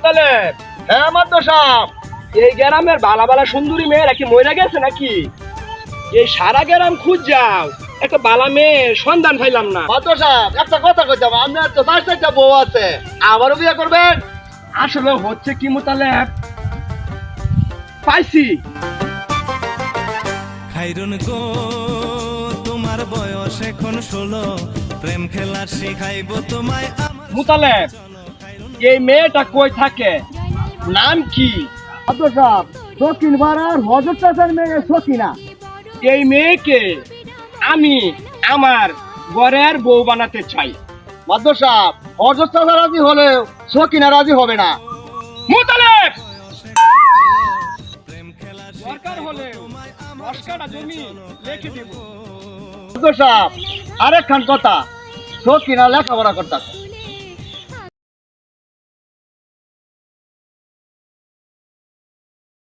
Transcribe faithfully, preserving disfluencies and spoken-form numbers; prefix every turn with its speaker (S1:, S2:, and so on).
S1: মোতালেব,
S2: হ্যাঁ মাদ্দা সাহেব।
S1: এই গ্রামের বালা বালা সুন্দরী মেয়েরা কি মরে গেছে নাকি? এই সারা গ্রাম খুঁজ যাও, একটা বালা মেয়ের সন্ধান পাইলাম না।
S2: মাদ্দা সাহেব একটা কথা কইতাম, আপনার তো চার চারটা বউ আছে, আবারও বিয়ে করবেন?
S1: আসলে হচ্ছে কি মোতালেব, পাইছি।
S3: খাইরুন গো তোমার বয়স এখন ষোলো, প্রেম খেলা শিখাইব তোমায় আমার
S1: মোতালেব, এই মেয়েটা কই থাকে, নাম কি?
S2: মাদ্দা সাহেব সকিন পাড়ার হজর চাচার মেয়ে সকিনা।
S1: এই মেয়েকে আমি আমার ঘরের বউ বানাতে চাই।
S2: মাদ্দা সাহেব হজর চাচা রাজি হলেও সকিনা রাজি হবে না।
S1: মোতালেব,
S3: প্রেম খেলা
S1: দরকার হলে দশ কাঠা জমি রেখে দেব।
S2: মাদ্দা সাহেব আরেকখান কথা, সকিনা লেখাপড়া করতেছে,